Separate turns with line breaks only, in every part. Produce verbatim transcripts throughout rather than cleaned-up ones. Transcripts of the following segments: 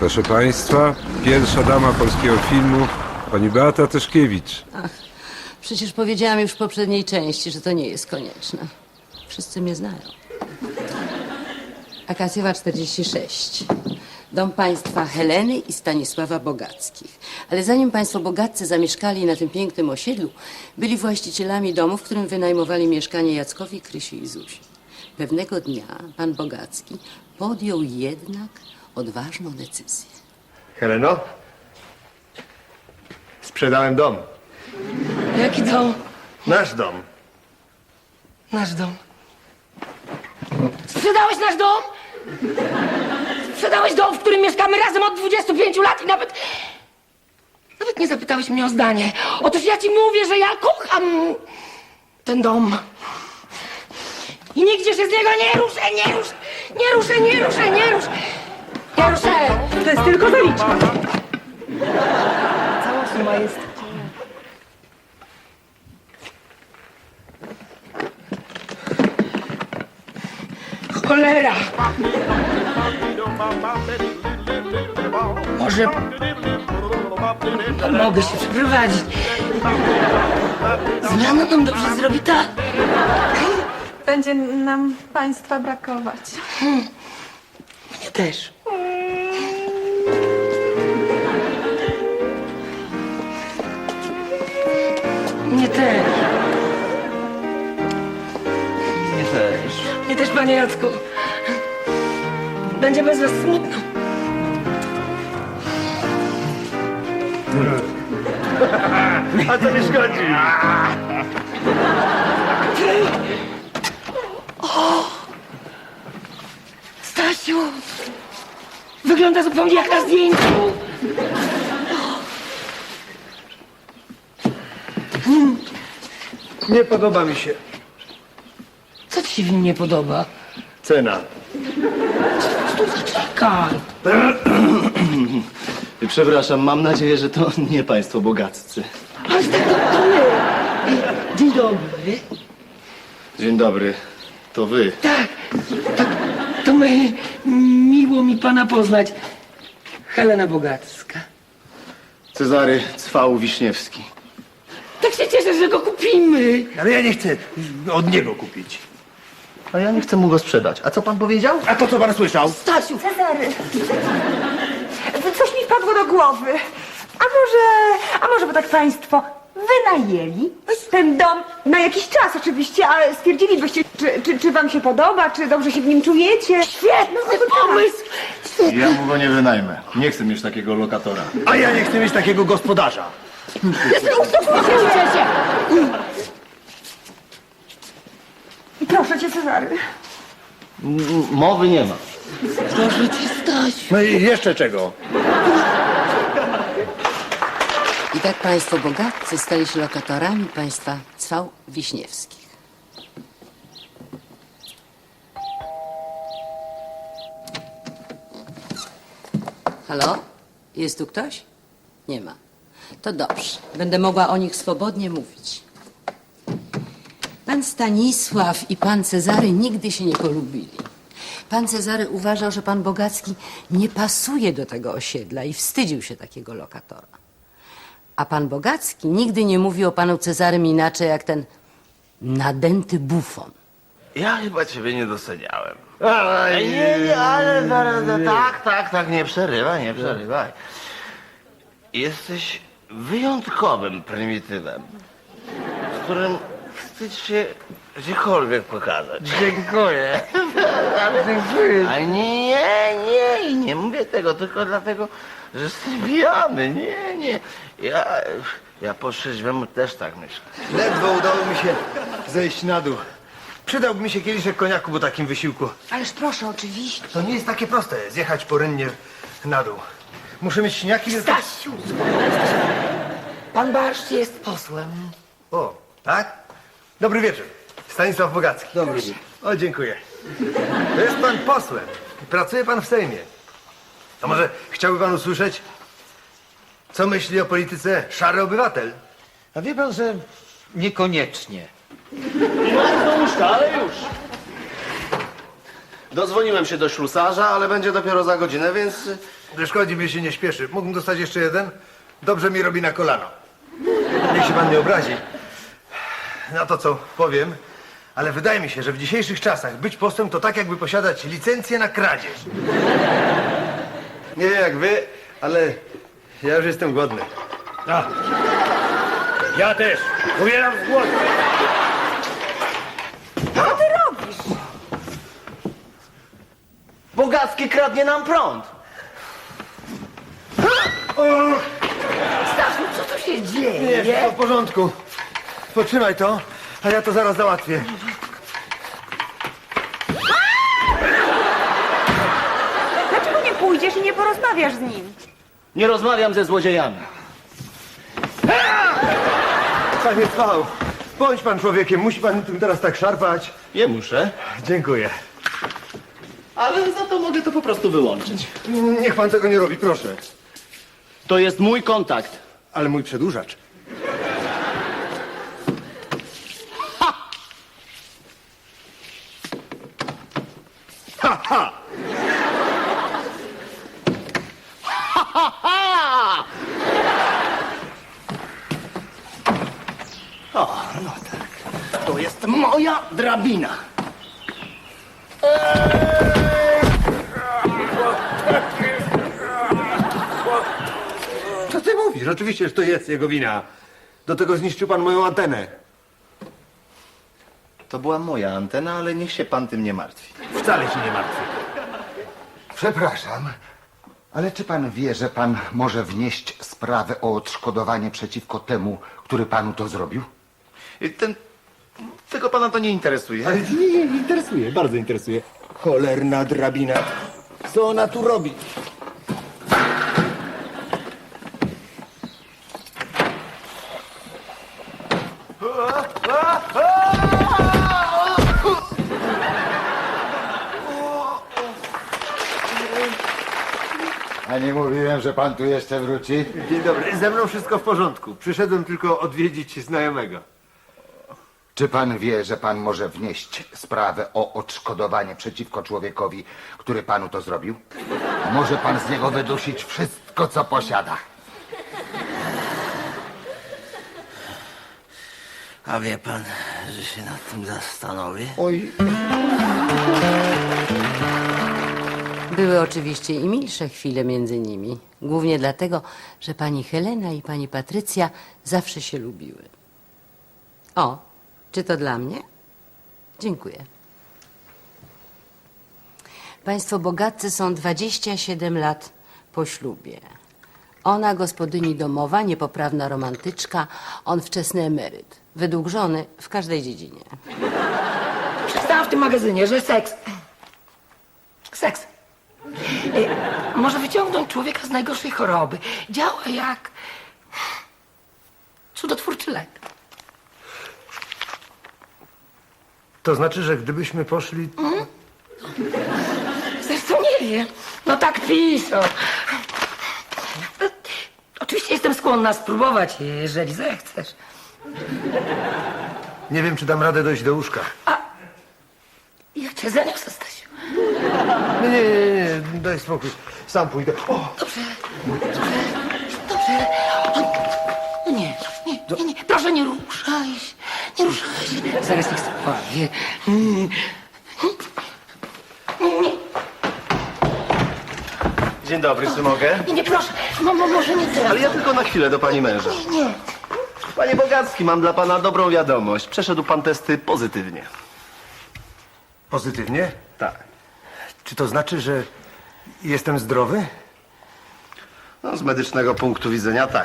Proszę Państwa, pierwsza dama polskiego filmu, pani Beata Tyszkiewicz.
Ach, przecież powiedziałam już w poprzedniej części, że to nie jest konieczne. Wszyscy mnie znają. Akacjowa czterdzieści sześć. Dom państwa Heleny i Stanisława Bogackich. Ale zanim państwo Bogaccy zamieszkali na tym pięknym osiedlu, byli właścicielami domu, w którym wynajmowali mieszkanie Jackowi, Krysi i Zuzi. Pewnego dnia pan Bogacki podjął jednak odważną decyzję.
Heleno? Sprzedałem dom.
Jaki dom?
Nasz dom.
Nasz dom. Sprzedałeś nasz dom? Sprzedałeś dom, w którym mieszkamy razem od dwudziestu pięciu lat i nawet... Nawet nie zapytałeś mnie o zdanie. Otóż ja ci mówię, że ja kocham ten dom. I nigdzie się z niego nie ruszę, nie ruszę, nie ruszę, nie ruszę, nie ruszę. Nie ruszę.
To jest tylko zaliczka.
Cała suma jest... Cholera! Może... Mogę się przeprowadzić. Zmiana nam dobrze zrobi, tak?
Będzie nam państwa brakować.
Mnie też. Mnie też.
Nie też.
Mnie też, panie Jacku. Będzie bez was smutno.
A co mi szkodzi?
Stasiu! Wygląda zupełnie jak na zdjęciu.
Nie podoba mi się.
Co ci się w nim nie podoba?
Cena.
Tu zaczekaj.
Przepraszam, mam nadzieję, że to nie państwo bogaccy.
Ale tak to, to my. Dzień dobry.
Dzień dobry, to wy.
Tak, to, to my. Miło mi pana poznać. Helena Bogacka.
Cezary Cwał Wiśniewski.
Tak się cieszę, że go kupimy.
Ale ja nie chcę od niego kupić.
A ja nie chcę mu go sprzedać. A co pan powiedział?
A to co pan słyszał?
Stasiu,
Cezary, coś mi wpadło do głowy. A może, a może by tak państwo wynajęli ten dom na jakiś czas oczywiście, ale stwierdzilibyście, czy, czy, czy wam się podoba, czy dobrze się w nim czujecie.
świetny pomysł.
Ja mu go nie wynajmę. Nie chcę mieć takiego lokatora.
A ja nie chcę mieć takiego gospodarza.
Uspokójcie się.
Proszę cię, Cezary.
M- mowy nie ma.
Proszę cię, Stasiu.
No i jeszcze czego?
I tak państwo Bogaccy stali się lokatorami państwa Cwał Wiśniewskich. Halo? Jest tu ktoś? Nie ma. To dobrze. Będę mogła o nich swobodnie mówić. Pan Stanisław i pan Cezary nigdy się nie polubili. Pan Cezary uważał, że pan Bogacki nie pasuje do tego osiedla i wstydził się takiego lokatora. A pan Bogacki nigdy nie mówił o panu Cezarym inaczej jak ten nadęty bufon.
Ja chyba ciebie nie doceniałem.
Ale
Nie, nie, ale zaraz, tak, tak, tak, nie przerywaj, nie przerywaj.
Jesteś wyjątkowym prymitywem, z którym wstydź się gdziekolwiek pokazać.
dziękuję.
A nie, nie, nie mówię tego tylko dlatego, że jestem pijany. Nie, nie. Ja, ja po trzeźwemu też tak myślę.
Ledwo udało mi się zejść na dół. Przydałby mi się kieliszek koniaku po takim wysiłku.
Ależ proszę, oczywiście.
To nie jest takie proste, zjechać porynnie na dół. Muszę mieć śniaki...
Stasiu! Pan Barszcz jest posłem.
O, tak? Dobry wieczór. Stanisław Bogacki. Dobry wieczór. O, dziękuję. To jest pan posłem. Pracuje pan w Sejmie. A może chciałby pan usłyszeć, co myśli o polityce szary obywatel?
A wie pan, że niekoniecznie.
Do łóżka, ale już. Dodzwoniłem się do ślusarza, ale będzie dopiero za godzinę, więc
Szkodzi, mi się nie śpieszy. Mógłbym dostać jeszcze jeden? Dobrze mi robi na kolano. Niech się pan nie obrazi na to, co powiem, ale wydaje mi się, że w dzisiejszych czasach być posłem to tak, jakby posiadać licencję na kradzież. Nie wiem jak wy, ale ja już jestem głodny.
A. Ja też. Umieram z głodu.
Co ty robisz?
Bogacki kradnie nam prąd.
Stasiu, co tu się dzieje?
Nie, wszystko w porządku. Potrzymaj to, a ja to zaraz załatwię.
Dlaczego nie pójdziesz i nie porozmawiasz z nim?
Nie rozmawiam ze złodziejami.
Panie Cwał, bądź pan człowiekiem, musi pan tym teraz tak szarpać.
Nie muszę,
Dziękuję.
ale za to mogę to po prostu wyłączyć.
Niech pan tego nie robi, proszę.
To jest mój kontakt.
Ale mój przedłużacz.
O, no tak. To jest moja drabina.
Co ty mówisz? Oczywiście, że to jest jego wina. Do tego zniszczył pan moją antenę.
To była moja antena, ale niech się pan tym nie martwi.
Wcale się nie martwię.
Przepraszam, ale czy pan wie, że pan może wnieść sprawę o odszkodowanie przeciwko temu, który panu to zrobił?
Ten... Tego pana to nie interesuje.
Ale nie, nie, interesuje, bardzo interesuje. Cholerna drabina. Co ona tu robi?
A nie mówiłem, że pan tu jeszcze wróci?
Dzień dobry, ze mną wszystko w porządku. Przyszedłem tylko odwiedzić znajomego.
Czy pan wie, że pan może wnieść sprawę o odszkodowanie przeciwko człowiekowi, który panu to zrobił? Może pan z niego wydusić wszystko, co posiada.
A wie pan, że się nad tym zastanowię?
Oj,
Były oczywiście i milsze chwile między nimi. Głównie dlatego, że pani Helena i pani Patrycja zawsze się lubiły. O, czy to dla mnie? Dziękuję. Państwo Bogaccy są dwadzieścia siedem lat po ślubie. Ona gospodyni domowa, niepoprawna romantyczka, on wczesny emeryt. Według żony w każdej dziedzinie.
Przeczytałam w tym magazynie, że seks... Seks... y, może wyciągnąć człowieka z najgorszej choroby. Działa jak... cudotwórczy lek.
to znaczy, że gdybyśmy poszli...
Zresztą nie wiem. No tak piszą. Oczywiście jestem skłonna spróbować, jeżeli zechcesz.
Nie wiem, czy dam radę dojść do łóżka.
Ja cię zaniosę, Stasiu.
Nie, nie, nie, nie, daj spokój. Sam pójdę. O!
Dobrze, dobrze, dobrze. O, nie, nie, nie, nie. Proszę, nie ruszaj się. Nie ruszaj się. Zaraz niech spawie. Mm. Nie, nie,
Dzień dobry, czy mogę?
nie, nie, proszę. No, no, może nie teraz.
Ale ja tylko na chwilę do pani męża.
Nie, nie.
Panie Bogacki, mam dla pana dobrą wiadomość. Przeszedł pan testy pozytywnie.
Pozytywnie?
Tak.
Czy to znaczy, że jestem zdrowy?
No, z medycznego punktu widzenia tak.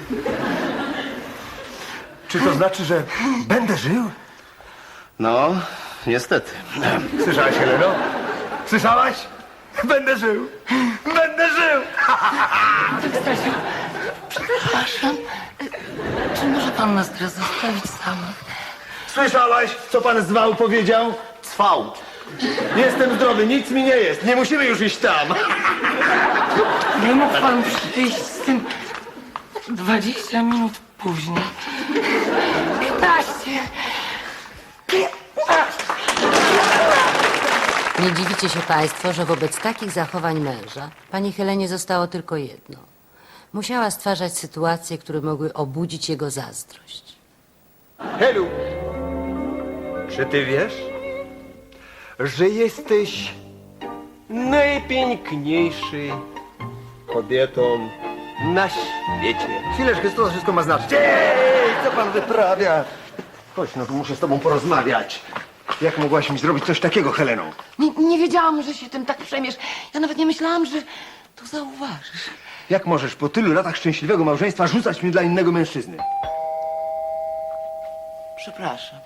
Czy to znaczy, że będę żył?
No, niestety.
Słyszałaś, Heleno? Słyszałaś? Będę żył! Będę żył!
Stasiu, przepraszam. Czy może pan nas teraz zostawić samych?
Słyszałaś, co pan zwał powiedział?
Cwał.
Jestem zdrowy, nic mi nie jest. Nie musimy już iść tam.
Nie mógł pan przyjść z tym dwadzieścia minut później. piętnaście. piętnaście.
Nie dziwicie się państwo, że wobec takich zachowań męża pani Helenie zostało tylko jedno. Musiała stwarzać sytuacje, które mogły obudzić jego zazdrość.
Helu, czy ty wiesz, że jesteś najpiękniejszy kobietą na świecie? Chwileczkę, co to wszystko ma znaczyć? Ej, co pan wyprawia? Chodź, no tu muszę z tobą porozmawiać. Jak mogłaś mi zrobić coś takiego, Heleno?
Nie, nie wiedziałam, że się tym tak przejmiesz. Ja nawet nie myślałam, że to zauważysz.
Jak możesz po tylu latach szczęśliwego małżeństwa rzucać mnie dla innego mężczyzny?
Przepraszam.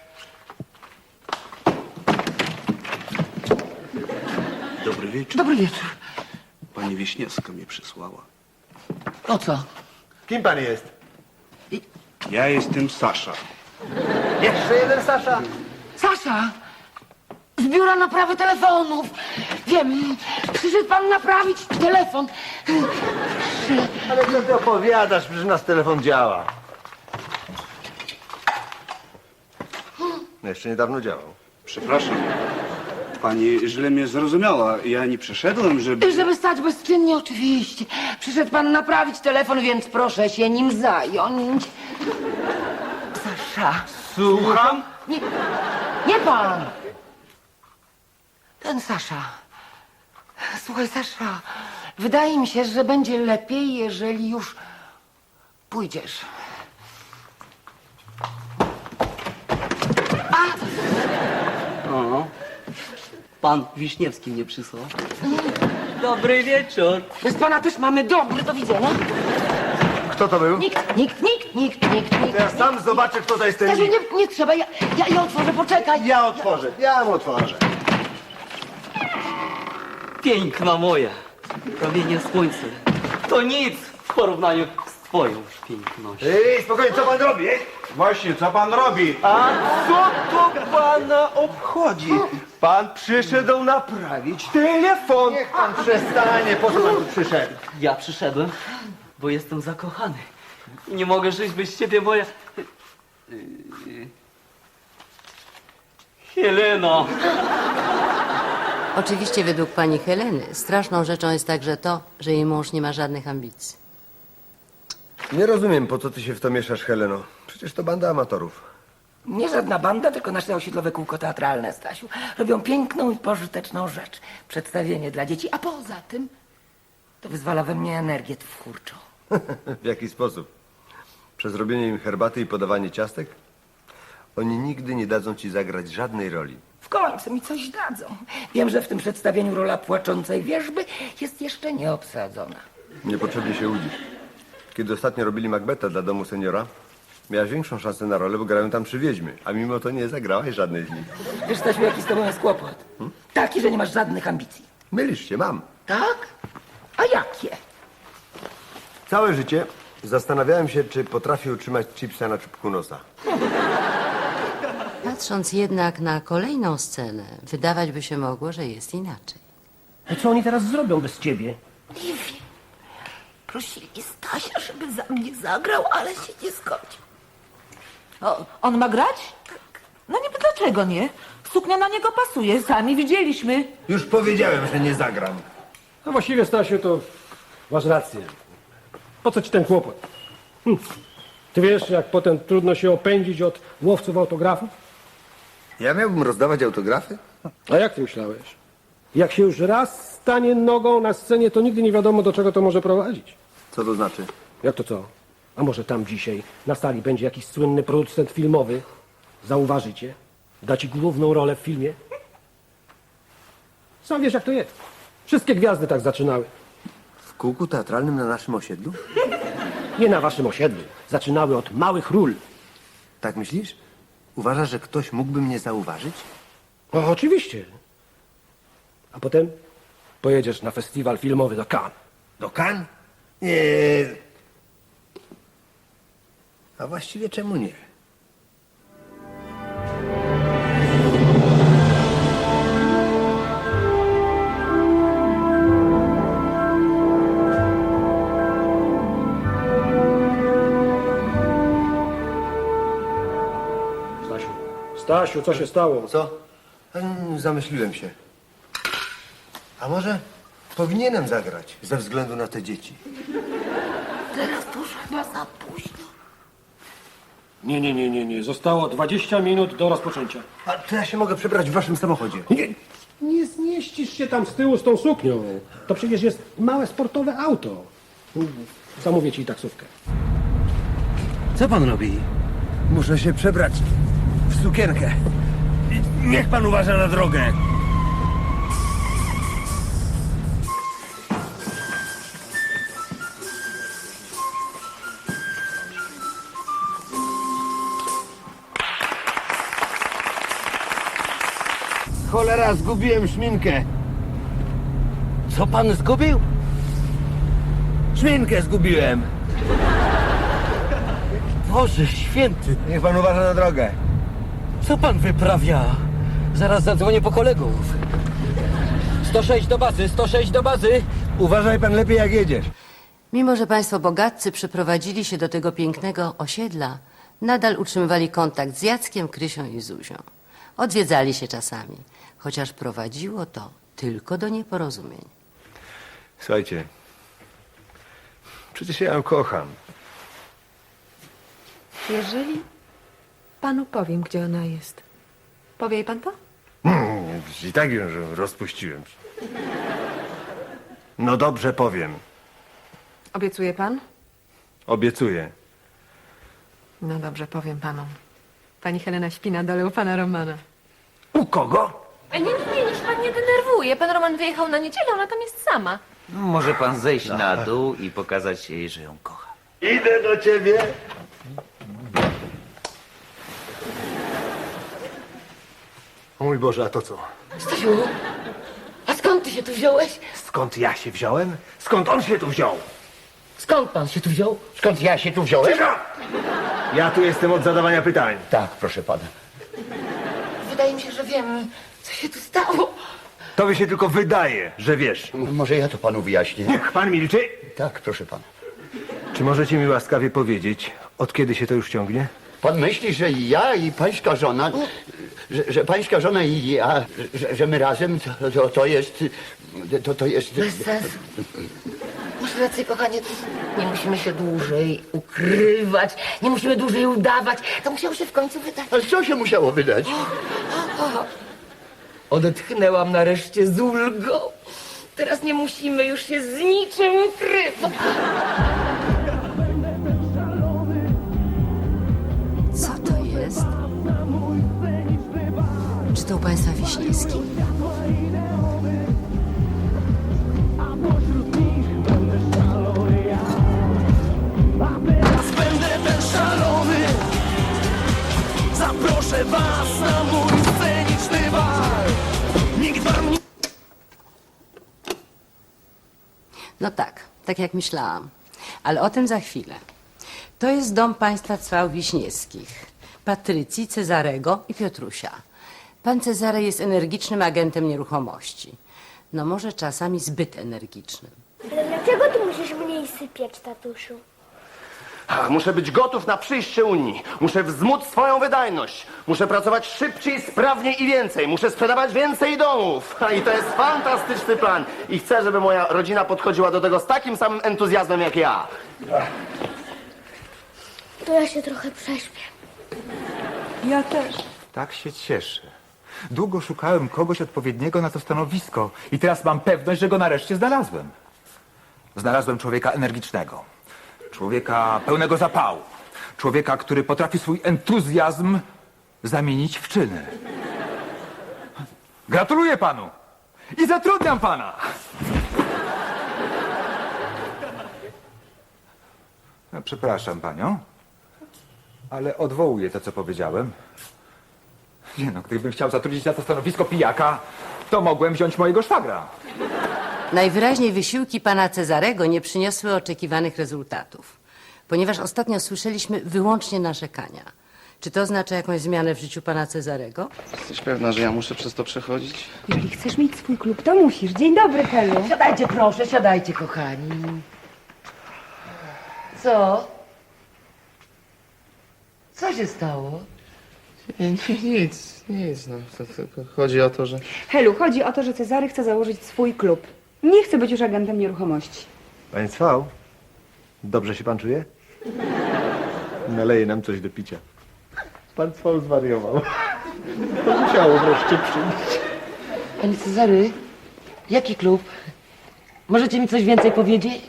Dobry wieczór.
Dobry wieczór.
Pani Wiśniewska mnie przysłała.
O co?
Kim pan jest?
Ja jestem Sasza.
Jeszcze jeden Sasza.
Sasza! Z biura naprawy telefonów. Wiem, przyszedł pan naprawić telefon.
Ale co ty opowiadasz? Przecież nasz telefon działa. No jeszcze niedawno działał.
Przepraszam. Pani źle mnie zrozumiała. Ja nie przyszedłem, żeby...
Żeby stać bezczynnie, oczywiście. Przyszedł pan naprawić telefon, więc proszę się nim zająć. Sasza.
Słucham?
Nie, nie pan! Ten Sasza. Słuchaj, Sasza, wydaje mi się, że będzie lepiej, jeżeli już pójdziesz.
O, pan Wiśniewski mnie przysłał. Dobry wieczór.
Bez pana też mamy dobry, do widzenia.
Kto to był?
Nikt, nikt, nikt, nikt, nikt, nikt.
Ja sam zobaczę, kto to jest ten
Stasiu,
nikt.
nie, nie trzeba, ja, ja, ja otworzę, poczekaj.
Ja otworzę, ja mu otworzę.
Piękna moja. Promienie słońca. To nic w porównaniu z twoją pięknością.
Ej, spokojnie, co pan robi? Ej?
Właśnie, co pan robi?
A co to pana obchodzi? Pan przyszedł naprawić telefon. Niech pan przestanie, po co pan tu przyszedł?
Ja przyszedłem, bo jestem zakochany. Nie mogę żyć bez ciebie, moja... Heleno.
Oczywiście według pani Heleny straszną rzeczą jest także to, że jej mąż nie ma żadnych ambicji.
Nie rozumiem, po co ty się w to mieszasz, Heleno. Przecież to banda amatorów.
Nie żadna banda, tylko nasze osiedlowe kółko teatralne, Stasiu. Robią piękną i pożyteczną rzecz. Przedstawienie dla dzieci, a poza tym to wyzwala we mnie energię twórczą.
W jaki sposób? Przez robienie im herbaty i podawanie ciastek? Oni nigdy nie dadzą ci zagrać żadnej roli.
W końcu mi coś dadzą. Wiem, że w tym przedstawieniu rola płaczącej wierzby jest jeszcze nieobsadzona.
Niepotrzebnie się łudzisz. Kiedy ostatnio robili Macbeta dla domu seniora, miałaś większą szansę na rolę, bo grają tam trzy wiedźmy, a mimo to nie zagrałaś żadnej z nich.
Wiesz, Stasiu, jaki z tobą jest kłopot? Taki, że nie masz żadnych ambicji.
Mylisz się, mam.
Tak? A jakie?
Całe życie zastanawiałem się, czy potrafię utrzymać chipsa na czubku nosa.
Patrząc jednak na kolejną scenę, wydawać by się mogło, że jest inaczej.
A co oni teraz zrobią bez ciebie?
Nie wiem. Prosili Stasia, żeby za mnie zagrał, ale się nie zgodził.
O, on ma grać? No niby dlaczego nie? Suknia na niego pasuje, sami widzieliśmy.
Już powiedziałem, że nie zagram.
No właściwie, Stasiu, to masz rację. Po co ci ten kłopot? Hm. Ty wiesz, jak potem trudno się opędzić od łowców autografów?
Ja miałbym rozdawać autografy?
A jak ty myślałeś? Jak się już raz stanie nogą na scenie, to nigdy nie wiadomo, do czego to może prowadzić.
Co to znaczy?
Jak to co? A może tam dzisiaj na sali będzie jakiś słynny producent filmowy? Zauważy cię? Da ci główną rolę w filmie? Sam wiesz, jak to jest. Wszystkie gwiazdy tak zaczynały.
W kółku teatralnym na naszym osiedlu?
Nie na waszym osiedlu. Zaczynały od małych ról.
Tak myślisz? Uważasz, że ktoś mógłby mnie zauważyć?
O, oczywiście. A potem pojedziesz na festiwal filmowy do Cannes.
Do Cannes? Nie. A właściwie czemu nie?
Stasiu, Stasiu, co się stało?
Co? Mm, Zamyśliłem się. A może powinienem zagrać ze względu na te dzieci?
Teraz to już chyba za późno.
Nie, nie, nie, nie, nie. Zostało dwadzieścia minut do rozpoczęcia.
A to ja się mogę przebrać w waszym samochodzie.
Nie, nie zmieścisz się tam z tyłu z tą suknią. To przecież jest małe sportowe auto. Zamówię ci taksówkę.
Co pan robi? Muszę się przebrać w sukienkę. Niech pan uważa na drogę. Cholera, zgubiłem szminkę.
Co pan zgubił?
Szminkę zgubiłem.
Boże święty,
Niech pan uważa na drogę.
Co pan wyprawia? Zaraz zadzwonię po kolegów. sto sześć do bazy, sto sześć do bazy.
Uważaj pan lepiej, jak jedziesz.
Mimo że państwo bogatcy przyprowadzili się do tego pięknego osiedla, nadal utrzymywali kontakt z Jackiem, Krysią i Zuzią. Odwiedzali się czasami, chociaż prowadziło to tylko do nieporozumień.
Słuchajcie, przecież ja ją kocham.
Jeżeli panu powiem, gdzie ona jest, powie jej pan to?
Hmm, I tak ją rozpuściłem. No dobrze, powiem.
Obiecuje pan?
Obiecuję.
No dobrze, powiem panu. Pani Helena śpi na dole u pana Romana.
U kogo?
Nie, nie, nie, niech pan nie denerwuje. Pan Roman wyjechał na niedzielę, ona tam jest sama.
Może pan zejść na dół i pokazać jej, że ją kocha.
Idę do ciebie. O mój Boże, a to co?
Stasiu, a skąd ty się tu wziąłeś?
Skąd ja się wziąłem? Skąd on się tu wziął?
Skąd pan się tu wziął?
Skąd ja się tu wziąłem? Cisza! Ja tu jestem od zadawania pytań.
Tak, proszę pana.
Wydaje mi się, że wiem, co się tu stało.
Tobie się tylko wydaje, że wiesz.
Może ja to panu wyjaśnię.
Niech pan milczy.
Tak, proszę pana.
Czy możecie mi łaskawie powiedzieć, od kiedy się to już ciągnie?
Pan myśli, że ja i pańska żona, że, że pańska żona i ja, że, że my razem, to, to, to jest, to, to jest...
Bez sensu. Masz rację, kochanie. Nie musimy się dłużej ukrywać. Nie musimy dłużej udawać. To musiało się w końcu wydać.
Ale co się musiało wydać?
Odetchnęłam nareszcie z ulgą. Teraz nie musimy już się z niczym ukrywać.
Co to jest? Czy to u państwa Wiśniewski?
Będę ten szalony. Zaproszę was na mój sceniczny bal. Nikt wam nie...
No tak, tak jak myślałam. Ale o tym za chwilę. To jest dom państwa Cwał Wiśniewskich. Patrycji, Cezarego i Piotrusia. Pan Cezary jest energicznym agentem nieruchomości. No może czasami zbyt energicznym.
Ale dlaczego ty musisz mniej sypiać, tatusiu?
A, muszę być gotów na przyjście Unii. Muszę wzmóc swoją wydajność. Muszę pracować szybciej, sprawniej i więcej. Muszę sprzedawać więcej domów. A, i to jest fantastyczny plan. I chcę, żeby moja rodzina podchodziła do tego z takim samym entuzjazmem jak ja.
To ja się trochę prześpię.
Ja też.
Tak się cieszę. Długo szukałem kogoś odpowiedniego na to stanowisko i teraz mam pewność, że go nareszcie znalazłem. Znalazłem człowieka energicznego, człowieka pełnego zapału, człowieka, który potrafi swój entuzjazm zamienić w czyny. Gratuluję panu i zatrudniam pana! No, przepraszam panią, ale odwołuję to, co powiedziałem. Nie no, gdybym chciał zatrudnić na to stanowisko pijaka, to mogłem wziąć mojego szwagra.
Najwyraźniej wysiłki pana Cezarego nie przyniosły oczekiwanych rezultatów, ponieważ ostatnio słyszeliśmy wyłącznie narzekania. Czy to oznacza jakąś zmianę w życiu pana Cezarego?
Jesteś pewna, że ja muszę przez to przechodzić?
Jeżeli chcesz mieć swój klub, to musisz. Dzień dobry, Helu.
Siadajcie, proszę, siadajcie, kochani. Co? Co się stało?
Nie, nie, nic, nic, no. To, tylko chodzi o to, że...
Helu, chodzi o to, że Cezary chce założyć swój klub. Nie chce być już agentem nieruchomości.
Panie Cwał, dobrze się pan czuje? Naleje nam coś do picia. Pan Cwał zwariował. To musiało wreszcie przyjść.
Panie Cezary, jaki klub? Możecie mi coś więcej powiedzieć?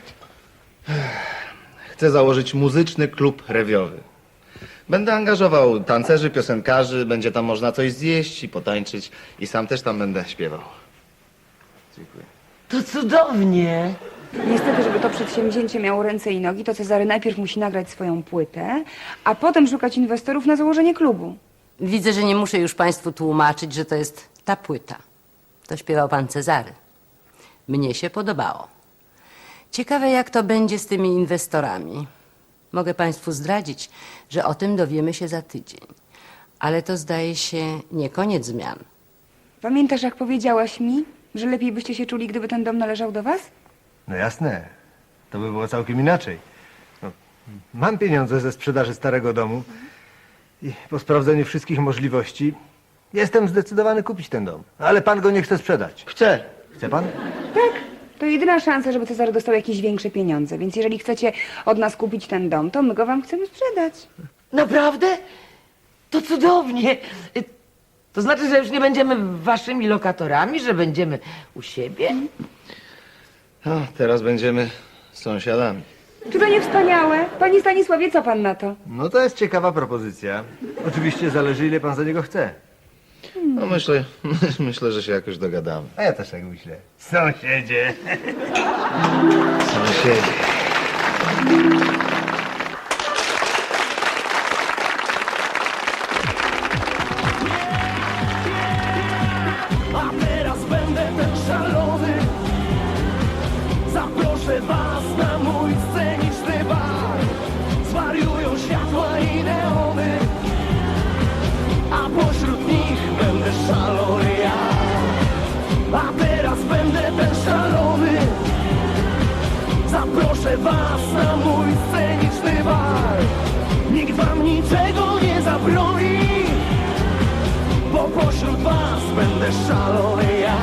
Chcę założyć muzyczny klub rewiowy. Będę angażował tancerzy, piosenkarzy, będzie tam można coś zjeść i potańczyć i sam też tam będę śpiewał. Dziękuję.
To cudownie.
Niestety, żeby to przedsięwzięcie miało ręce i nogi, to Cezary najpierw musi nagrać swoją płytę, a potem szukać inwestorów na założenie klubu.
Widzę, że nie muszę już państwu tłumaczyć, że to jest ta płyta. To śpiewał pan Cezary. Mnie się podobało. Ciekawe, jak to będzie z tymi inwestorami. Mogę państwu zdradzić, że o tym dowiemy się za tydzień. Ale to zdaje się nie koniec zmian.
Pamiętasz, jak powiedziałaś mi, że lepiej byście się czuli, gdyby ten dom należał do was?
No jasne. To by było całkiem inaczej. No, mam pieniądze ze sprzedaży starego domu i po sprawdzeniu wszystkich możliwości jestem zdecydowany kupić ten dom. Ale pan go nie chce sprzedać.
Chcę.
Chce pan?
Tak. To jedyna szansa, żeby Cezary dostał jakieś większe pieniądze. Więc jeżeli chcecie od nas kupić ten dom, to my go wam chcemy sprzedać.
Naprawdę? To cudownie. Y, To znaczy, że już nie będziemy waszymi lokatorami, że będziemy u siebie?
No, teraz będziemy sąsiadami.
Czy to nie wspaniałe? Panie Stanisławie, co pan na to?
No to jest ciekawa propozycja. Oczywiście zależy, ile pan za niego chce.
No myślę, myślę, że się jakoś dogadamy.
A ja też tak myślę. Sąsiedzie.
Sąsiedzi.
A teraz będę ten szalony. Zaproszę was na mój sceniczny bar. Zwariują światła i neony, a pośród nich będę szalony ja. A teraz będę ten szalony. Zaproszę was na mój sceniczny bar. Nikt wam niczego nie zabroni, bo pośród was będę szalony ja.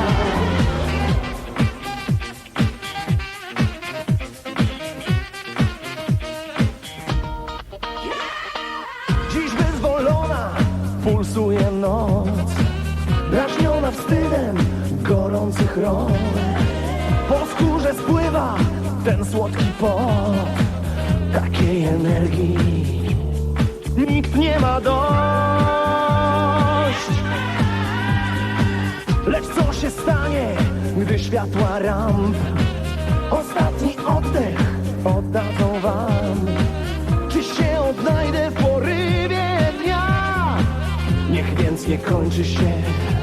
Dziś wyzwolona pulsuje noc, drażniona wstydem gorących rąk. Po skórze spływa ten słodki pot takiej energii. Nikt nie ma dość. Lecz co się stanie, gdy światła ramp ostatni oddech oddadzą wam? Czy się odnajdę w porywie dnia? Niech więc nie kończy się